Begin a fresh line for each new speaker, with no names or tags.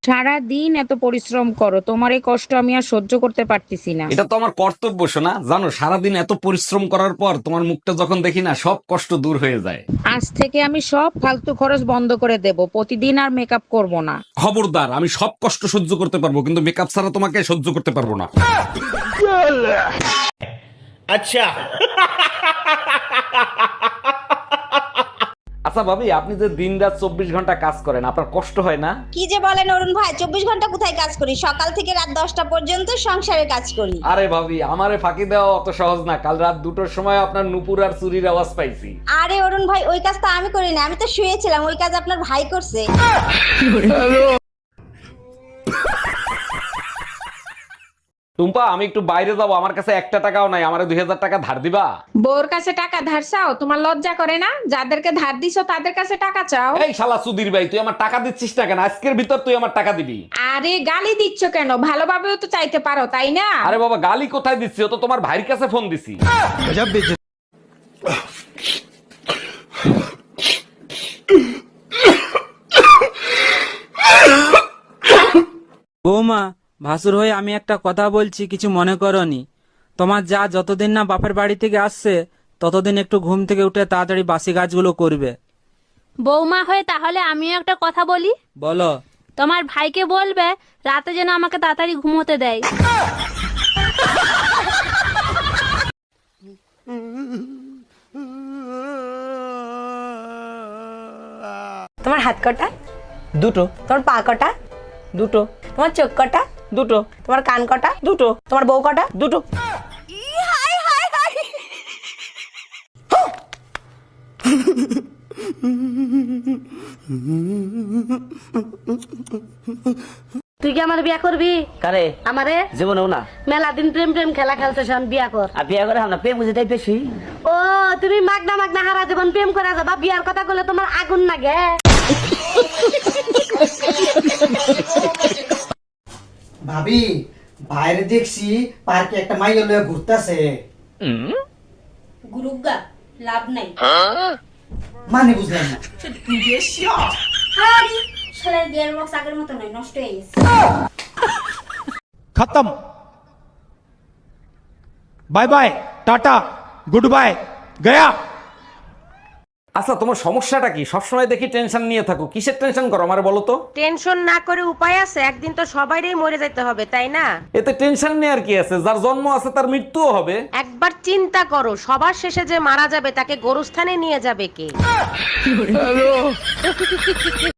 সারা দিন এত পরিশ্রম করো, তোমার এই কষ্ট আমি আর সহ্য করতে পারতেছি না।
এটা তো আমার কর্তব্য শোনা। জানো, সারাদিন এত পরিশ্রম করার পর তোমার মুখটা যখন দেখি না, সব কষ্ট দূর হয়ে যায়।
আজ থেকে আমি সব ফালতু খরচ বন্ধ করে দেব, প্রতিদিন আর মেকআপ করব না।
খবরদার, আমি সব কষ্ট সহ্য করতে পারবো, কিন্তু মেকআপ ছাড়া তোমাকে সহ্য করতে পারবো না। আচ্ছা ভাবি, আপনি যে দিন রাত 24 ঘন্টা কাজ করেন, আপনার কষ্ট হয় না?
কি যে বলেন অরুণ ভাই, 24 ঘন্টা কোথায় কাজ করি? সকাল থেকে রাত 10টা পর্যন্ত সংসারে কাজ করি।
আরে ভাবি, আমারে ফাঁকি দেওয়া অত সহজ না। কাল রাত 2টোর সময় আপনার নুপুর আর চুরির আওয়াজ পাইছি।
আরে অরুণ ভাই, ওই কাজ তো আমি করি না, আমি তো শুয়েছিলাম, ওই কাজ আপনার ভাই করছে।
টুম্পা, আমি একটু বাইরে যাবো, আমার কাছে 1টা টাকাও নাই, আমারে 2000 টাকা ধার দিবা?
বউর কাছে টাকা ধার চাও? তোমার লজ্জা করে না? যাদেরকে ধার দিছো তাদের কাছে টাকা চাও।
এই শালা সুধীর ভাই, তুই আমার টাকা দিচ্ছিস না কেন? আজকের ভিতর তুই আমার টাকা দিবি।
আরে গালি দিচ্ছ কেন? ভালোভাবেও তো চাইতে পারো, তাই না?
আরে বাবা, গালি কোথায় দিচ্ছি? ও তো তোমার ভাইয়ের কাছে ফোন দিছি।
বৌমা, ভাসুর হয়ে আমি একটা কথা বলছি, কিছু মনে করনি। তোমার যা যতদিন না বাপের বাড়ি থেকে আসছে ততদিন একটু ঘুম থেকে উঠে তাড়াতাড়ি বাসি কাজগুলো করবে।
বৌমা হয়ে তাহলে আমিও একটা কথা বলি।
বলো।
তোমার ভাইকে বলবে রাতে যেন আমাকে তাড়াতাড়ি ঘুমোতে দেয়।
তোমার হাত কটা?
দুটো।
তোমার পা কটা?
দুটো।
তোমার চোখ কটা?
দুটো।
তোমার কান কটা?
দুটো।
তোমার বউ কটা?
দুটো।
তুই কি আমার বিয়া করবি?
কারে?
আমারে
জীবনেও না।
মেলা দিন প্রেম প্রেম খেলা খেলতেছ, বিয়া কর।
আর বিয়ে করে আমরা প্রেম বুঝে তাই বেশি।
ও তুমি মাগনা মাগনা হারা জীবন প্রেম করে যাবা, বিয়ার কথা বলে তোমার আগুন লাগে।
ভাবি, বাইরে দেখছি পার্কে একটা মাইয়া লইয়া ঘুরতাছে।
গুরুগা লাভ নাই।
মানে বুঝলাম না।
আরে শালার গিয়ার বক্স আগের মতো নয়, নষ্ট হয়ে গেছে।
खत्म। Bye bye, tata, goodbye, गया।
আচ্ছা, তোমার সমস্যাটা কি? সবসময় দেখি টেনশন নিয়ে থাকো। কিসের টেনশন করো আমার বলো তো?
টেনশন না করে উপায় আছে? একদিন তো সবাইরই মরে যেতে হবে, তাই না?
এতে টেনশন নিয়ে আর কি আছে? যার জন্ম আছে তার মৃত্যুও হবে।
একবার চিন্তা করো, সবার শেষে যে মারা যাবে তাকে গোরস্থানে নিয়ে যাবে কে?